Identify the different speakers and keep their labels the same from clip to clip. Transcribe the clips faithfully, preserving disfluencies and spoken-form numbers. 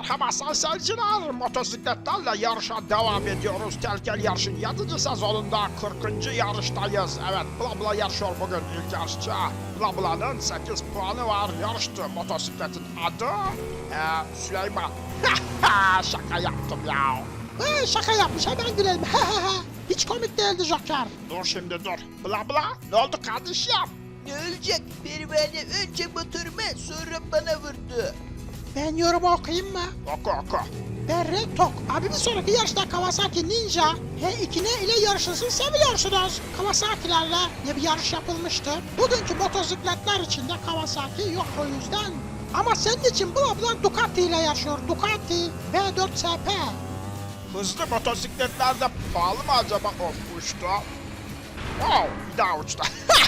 Speaker 1: Merhaba sayın seyirciler, motosikletlerle yarışa devam ediyoruz. Telkel yarışın yedinci sezonunda kırkıncı yarıştayız. Evet, Bla Bla yarışıyor bugün ilk yarışçı. Bla Bla'nın sekiz puanı var. Yarıştı motosikletin adı ee, Süleyman. Şaka yaptım ya.
Speaker 2: Ee, şaka yapmış, hemen gülelim. Hiç komik değildi Joker.
Speaker 1: Dur şimdi dur. Bla Bla, ne oldu kardeşim?
Speaker 3: Ne olacak? Pervane önce motoruma sonra bana vurdu.
Speaker 2: Ben yorumu okuyayım mı?
Speaker 1: Oku oku.
Speaker 2: Berre Tok. Abi bir sonraki yarışta Kawasaki Ninja H iki N ile yarışılsın seviyorsunuz. Kawasaki'lerle ne bir yarış yapılmıştı. Bugünkü motosikletler içinde Kawasaki yok o yüzden. Ama senin için Bla Bla Ducati ile yarışıyor. Ducati V dört S P.
Speaker 1: Hızlı motosikletler de pahalı mı acaba? Of uçtu. Wow, bir daha uçtu.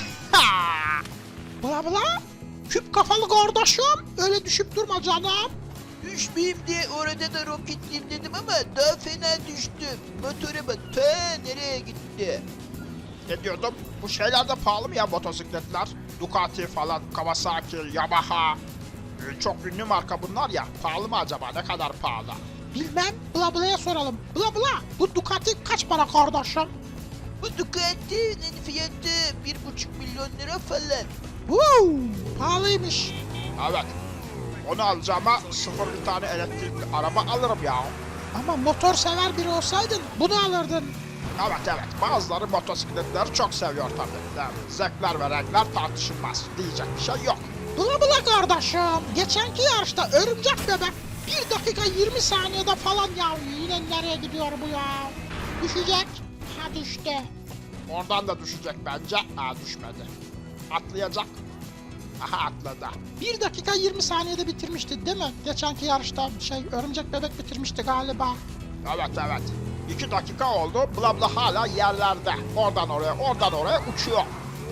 Speaker 2: Bla Bla. Küp kafalı kardeşim. Öyle düşüp durma canım.
Speaker 3: Düşmeyeyim diye orada da roketleyeyim dedim ama daha fena düştüm. Motoruma ta nereye gitti?
Speaker 1: Ne diyordum? Bu şeyler de pahalı mı ya motosikletler? Ducati falan, Kawasaki, Yamaha. Ee, çok ünlü marka bunlar ya. Pahalı mı acaba? Ne kadar pahalı?
Speaker 2: Bilmem. Bla Bla'ya soralım. Bla Bla. Bu Ducati kaç para kardeşim?
Speaker 3: Bu Ducati'nin fiyatı bir buçuk milyon lira falan.
Speaker 2: Woo, pahalıymış.
Speaker 1: Evet. Onu alacağıma sıfır bir tane elektrikli araba alırım ya.
Speaker 2: Ama motor sever biri olsaydın bunu alırdın.
Speaker 1: Evet evet. Bazıları motosikletleri çok seviyor tabii. Yani zevkler ve renkler tartışılmaz. Diyecek bir şey yok.
Speaker 2: Bula bula kardeşim. Geçenki yarışta örümcek bebek bir dakika yirmi saniyede falan ya. Yine nereye gidiyor bu ya? Düşecek. Ha düştü.
Speaker 1: Oradan da düşecek bence. Aa düşmedi. Atlayacak. Aha atladı.
Speaker 2: bir dakika yirmi saniyede bitirmişti değil mi? Geçenki yarışta şey örümcek bebek bitirmişti galiba.
Speaker 1: Evet evet. iki dakika oldu. Bla Bla hala yerlerde. Oradan oraya, oradan oraya uçuyor.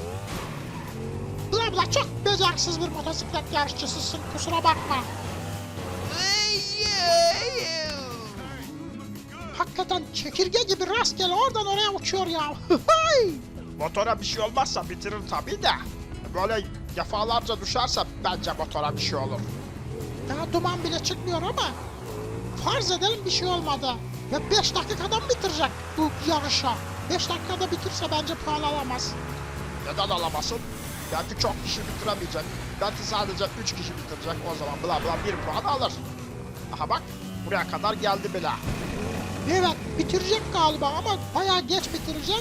Speaker 2: Bula bula çok beceriksiz bir motosiklet yarışçısısın, kusura bakma.
Speaker 3: Ay, ay, ay.
Speaker 2: Hakikaten çekirge gibi rastgele oradan oraya uçuyor ya.
Speaker 1: Motora bir şey olmazsa bitirir tabii de. Böyle defalarca düşerse bence motora bir şey olur.
Speaker 2: Daha duman bile çıkmıyor ama farz edelim bir şey olmadı. Ve beş dakikadan bitirecek bu yarışa. beş dakikada bitirse bence puan alamaz.
Speaker 1: Neden alamasın? Belki çok kişi bitiremeyecek. Belki sadece üç kişi bitirecek. O zaman Bla Bla bir puan alır. Aha bak, buraya kadar geldi bile.
Speaker 2: Evet bitirecek galiba ama bayağı geç bitirecek.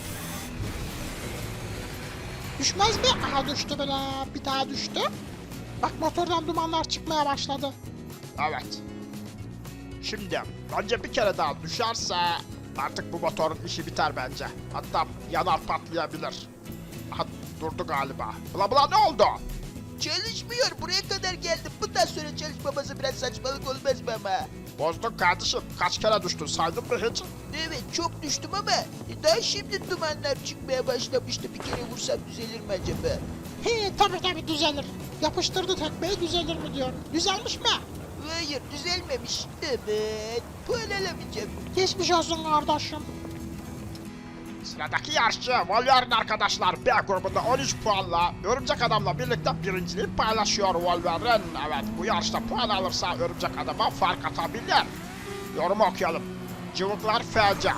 Speaker 2: Düşmez mi? Aha düştü bile. Bir daha düştü. Bak motordan dumanlar çıkmaya başladı.
Speaker 1: Evet. Şimdi bence bir kere daha düşerse artık bu motorun işi biter bence. Hatta yanar patlayabilir. Aha durdu galiba. Bla Bla ne oldu?
Speaker 3: Çalışmıyor. Buraya kadar geldim. Bundan sonra çalışmaması biraz saçmalık olmaz mı ama?
Speaker 1: Bozdun kardeşim. Kaç kere düştün saydın mı hiç?
Speaker 3: Evet çok düştüm ama daha şimdi dumanlar çıkmaya başlamıştı. Bir kere vursam düzelir mi acaba?
Speaker 2: He tabii tabii düzelir. Yapıştırdı tekmeyi düzelir mi diyor. Düzelmiş mi?
Speaker 3: Hayır düzelmemiş. Evet. Puan alamayacağım.
Speaker 2: Geçmiş olsun kardeşim.
Speaker 1: Sıradaki yarışçı Wolverine arkadaşlar B grubunda on üç puanla Örümcek Adam'la birlikte birinciliği paylaşıyor Wolverine. Evet bu yarışta puan alırsa Örümcek Adam'a fark atabilir. Yorumu okuyalım. Cıvıklar feci.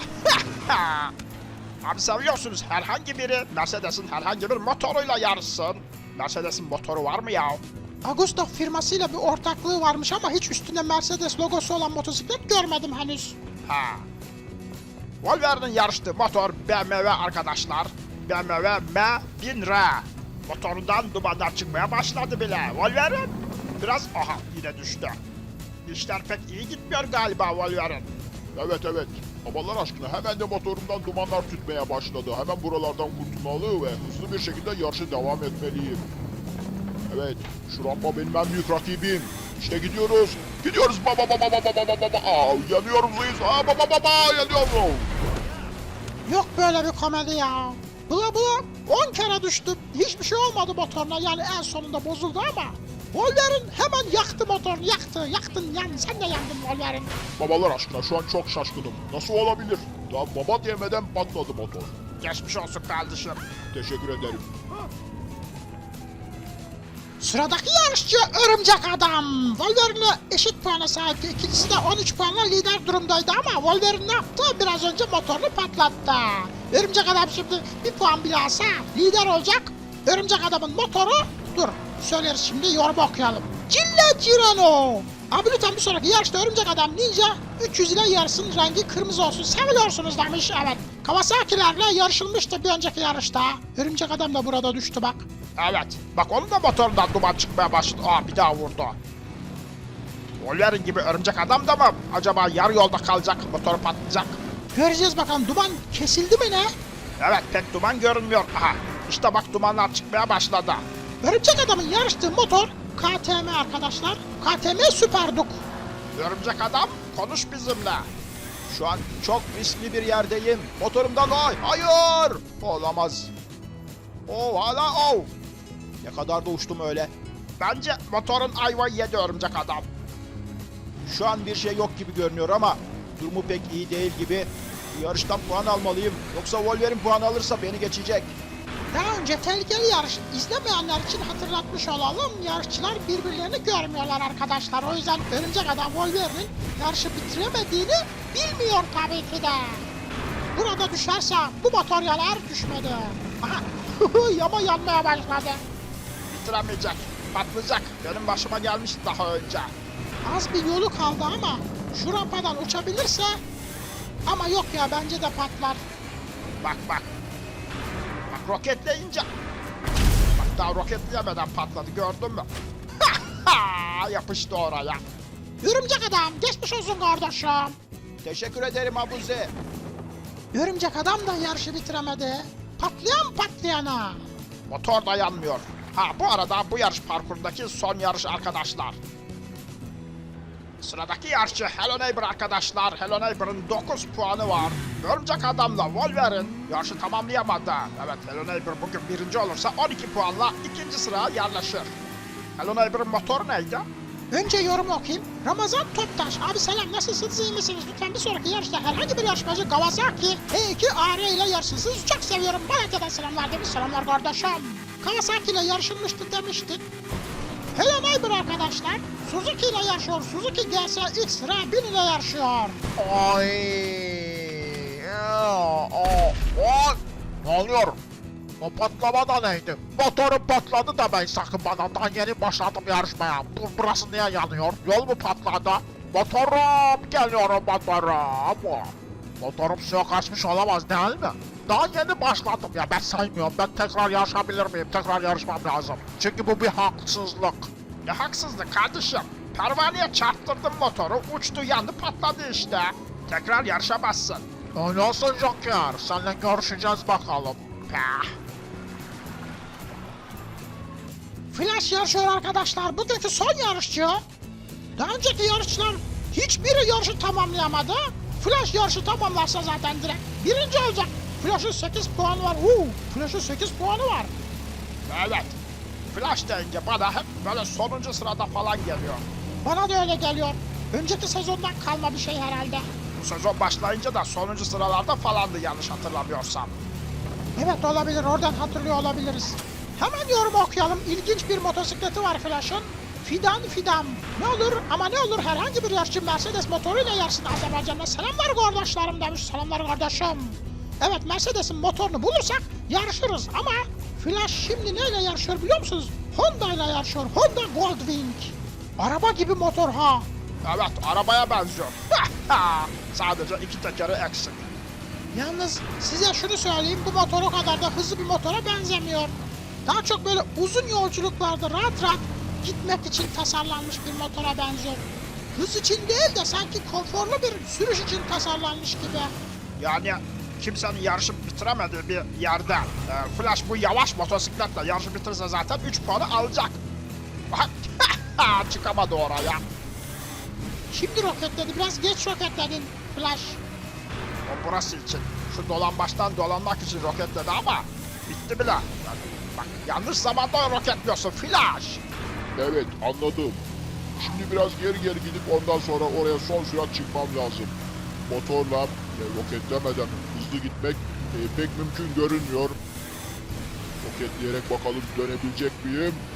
Speaker 1: Abi seviyorsunuz herhangi biri Mercedes'in herhangi bir motoruyla yarışsın. Mercedes'in motoru var mı ya?
Speaker 2: Augusta firmasıyla bir ortaklığı varmış ama hiç üstünde Mercedes logosu olan motosiklet görmedim henüz.
Speaker 1: Ha. Wolverine'in yarıştığı motor B M W arkadaşlar. B M W M bin R. Motorundan dumanlar çıkmaya başladı bile. Wolverine biraz aha yine düştü. İşler pek iyi gitmiyor galiba Wolverine.
Speaker 4: Evet evet. Babalar aşkına hemen de motorumdan dumanlar tütmeye başladı. Hemen buralardan kurtulmalı ve hızlı bir şekilde yarışa devam etmeliyim. Evet, şu rampa benim en büyük rakibim. İşte gidiyoruz. Gidiyoruz baba baba baba baba baba. Aa, yanıyorum Luis. Aa baba baba yanıyorum.
Speaker 2: Yok böyle bir komedi ya. Bula bula on kere düştüm. Hiçbir şey olmadı motoruna yani en sonunda bozuldu ama. Wolverine hemen yaktı motorunu yaktı. Yaktın yani sen de yandın Wolverine.
Speaker 4: Babalar aşkına şu an çok şaşkınım. Nasıl olabilir? Daha baba diyemeden patladı motor.
Speaker 1: Geçmiş olsun kardeşim.
Speaker 4: Teşekkür ederim.
Speaker 2: Sıradaki yarışçı Örümcek Adam. Wolverine'e eşit puana sahipti. İkincisi de on üç puanla lider durumdaydı ama Wolverine ne yaptı? Biraz önce motorunu patlattı. Örümcek Adam şimdi bir puan bile alsa lider olacak. Örümcek Adam'ın motoru... Dur, söyleriz şimdi, yorum okuyalım. Cilla Cirano. Abi lütfen bir sonraki yarışta Örümcek Adam Ninja üç yüz ile yarışsın, rengi kırmızı olsun. Seviyorsunuz demiş, evet. Kawasaki'lerle yarışılmıştı bir önceki yarışta. Örümcek Adam da burada düştü bak.
Speaker 1: Evet. Bak onun da motorundan duman çıkmaya başladı. Aa bir daha vurdu. Wolverine gibi örümcek adam da mı? Acaba yarı yolda kalacak, motoru patlayacak.
Speaker 2: Göreceğiz bakalım, duman kesildi mi ne?
Speaker 1: Evet pek duman görünmüyor. Aha işte bak dumanlar çıkmaya başladı.
Speaker 2: Örümcek Adam'ın yarıştığı motor K T M arkadaşlar. K T M Super Duke.
Speaker 1: Örümcek adam konuş bizimle. Şu an çok riskli bir yerdeyim. Motorumdan oy. Hayır. Olamaz. Oh hala oh. Ne kadar da uçtum öyle. Bence motorun ayvayı yedi örümcek adam. Şu an bir şey yok gibi görünüyor ama durumu pek iyi değil gibi. Bu yarıştan puan almalıyım. Yoksa Wolverine puan alırsa beni geçecek.
Speaker 2: Daha önce tehlikeli yarış izlemeyenler için hatırlatmış olalım. Yarışçılar birbirlerini görmüyorlar arkadaşlar. O yüzden Örümcek Adam Wolverine'in yarışı bitiremediğini bilmiyor tabii ki de. Burada düşerse bu motor yanar, düşmedi. Aha yama yanmaya başladı.
Speaker 1: Bitiremeyecek. Patlayacak. Benim başıma gelmişti daha önce.
Speaker 2: Az bir yolu kaldı ama şu rampadan uçabilirse, ama yok ya, bence de patlar.
Speaker 1: Bak bak. Bak roketleyince. Bak daha roketleyemeden patladı gördün mü? Yapıştı oraya.
Speaker 2: Örümcek Adam geçmiş olsun kardeşim.
Speaker 1: Teşekkür ederim Abuzi.
Speaker 2: Örümcek Adam da yarışı bitiremedi. Patlayan patlayana.
Speaker 1: Motor dayanmıyor. Ha bu arada bu yarış parkurundaki son yarış arkadaşlar. Sıradaki yarışçı Hello Neighbor arkadaşlar. Hello Neighbor'ın dokuz puanı var. Örümcek Adam'la Wolverine yarışı tamamlayamadı. Evet Hello Neighbor bugün birinci olursa on iki puanla ikinci sıraya yerleşir. Hello Neighbor'ın motoru neydi?
Speaker 2: Önce yorum okuyayım. Ramazan Toptaş. Abi selam, nasılsınız, iyi misiniz? Lütfen bir sonraki yarışta herhangi bir yarışmacı Kawasaki E iki A R ile yarışsın. Sizi çok seviyorum. Malatya'dan selamlar demiş. Selamlar kardeşim. Kawasaki ile yarışılmıştı demiştik. Hello Neighbor arkadaşlar. Suzuki ile yarışıyor. Suzuki G S X R bin ile yarışıyor.
Speaker 4: Ay. O, o. Ne oluyor? O patlama da neydi? Motorum patladı da ben sakın bana. Daha yeni başladım yarışmaya. Dur burası niye yanıyor? Yol mu patladı? Motorum geliyorum motorum. Motorum suya kaçmış olamaz değil mi? Daha yeni başladım ya, ben saymıyorum. Ben tekrar yarışabilir miyim? Tekrar yarışmam lazım. Çünkü bu bir haksızlık.
Speaker 1: Ne haksızlık kardeşim. Pervaneye çarptırdım motoru. Uçtu yandı patladı işte. Tekrar yarışamazsın.
Speaker 4: Öyle olsun Joker. Seninle görüşeceğiz bakalım.
Speaker 1: Pah.
Speaker 2: Flash yarışıyor arkadaşlar. Bugünkü son yarışçı. Daha önceki yarışçılar hiçbiri yarışı tamamlayamadı. Flash yarışı tamamlarsa zaten direkt birinci olacak. Flash'ın sekiz puanı var. Uuu, Flash'ın sekiz puanı var.
Speaker 1: Evet. Flash deyince bana hep böyle sonuncu sırada falan geliyor.
Speaker 2: Bana da öyle geliyor. Önceki sezondan kalma bir şey herhalde.
Speaker 1: Bu sezon başlayınca da sonuncu sıralarda falandı yanlış hatırlamıyorsam.
Speaker 2: Evet olabilir, oradan hatırlıyor olabiliriz. Hemen yorum okuyalım. İlginç bir motosikleti var Flash'ın. Fidan Fidan. Ne olur ama ne olur herhangi bir yarışçı Mercedes motoruyla yarışsın Azerbaycan'da. Selamlar kardeşlerim demiş. Selamlar kardeşim. Evet, Mercedes'in motorunu bulursak yarışırız ama Flash şimdi neyle yarışıyor biliyor musunuz? Honda ile yarışıyor. Honda Goldwing. Araba gibi motor ha.
Speaker 1: Evet arabaya benziyor. Sadece iki tekeri eksik.
Speaker 2: Yalnız size şunu söyleyeyim, bu motor o kadar da hızlı bir motora benzemiyor. Daha çok böyle uzun yolculuklarda rahat rahat gitmek için tasarlanmış bir motora benziyor. Hız için değil de sanki konforlu bir sürüş için tasarlanmış gibi.
Speaker 1: Yani kimsenin yarışı bitiremediği bir yerde e, Flash bu yavaş motosikletle yarışı bitirirse zaten üç puanı alacak. Bak çıkamadı oraya.
Speaker 2: Şimdi roketledi, biraz geç roketledin Flash.
Speaker 1: O burası için. Şu dolambaçtan dolanmak için roketledi ama bitti bile. Yani bak yanlış zamanda roketliyorsun Flash.
Speaker 4: Evet anladım. Şimdi biraz geri geri gidip ondan sonra oraya son sürat çıkmam lazım. Motorla e, roketlemeden hızlı gitmek e, pek mümkün görünmüyor. Roketleyerek bakalım dönebilecek miyim?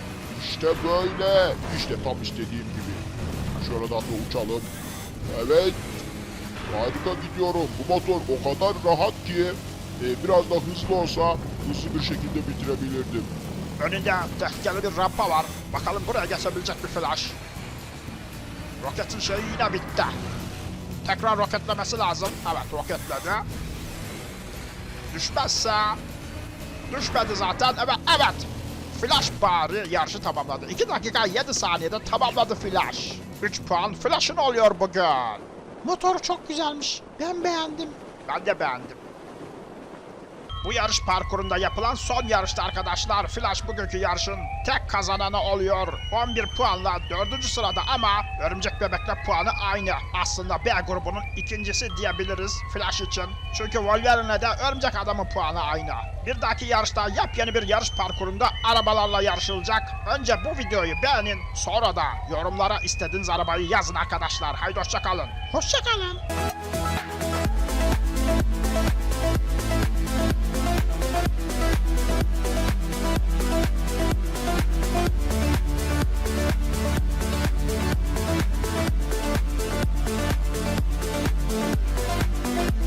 Speaker 4: İşte böyle. İşte tam istediğim gibi. Şuradan da uçalım. Evet. Harika gidiyorum. Bu motor o kadar rahat ki e, biraz da hızlı olsa hızlı bir şekilde bitirebilirdim.
Speaker 1: Önünde tehlikeli bir rampa var. Bakalım buraya geçebilecek bir Flash. Roketin şeyi yine bitti. Tekrar roketlemesi lazım. Evet, roketledi. Düşmezse... Düşmedi zaten. Evet, evet. Flash bari yarışı tamamladı. iki dakika yedi saniyede tamamladı Flash. üç puan Flash'ın oluyor bugün.
Speaker 2: Motor çok güzelmiş. Ben beğendim.
Speaker 1: Ben de beğendim. Bu yarış parkurunda yapılan son yarıştı arkadaşlar. Flash bugünkü yarışın tek kazananı oluyor. on bir puanla dördüncü sırada ama Örümcek Bebek'le puanı aynı. Aslında B grubunun ikincisi diyebiliriz Flash için. Çünkü Wolverine'le de Örümcek Adam'ın puanı aynı. Bir dahaki yarışta yepyeni bir yarış parkurunda arabalarla yarışılacak. Önce bu videoyu beğenin, sonra da yorumlara istediğiniz arabayı yazın arkadaşlar. Haydi hoşça kalın.
Speaker 2: Hoşça kalın.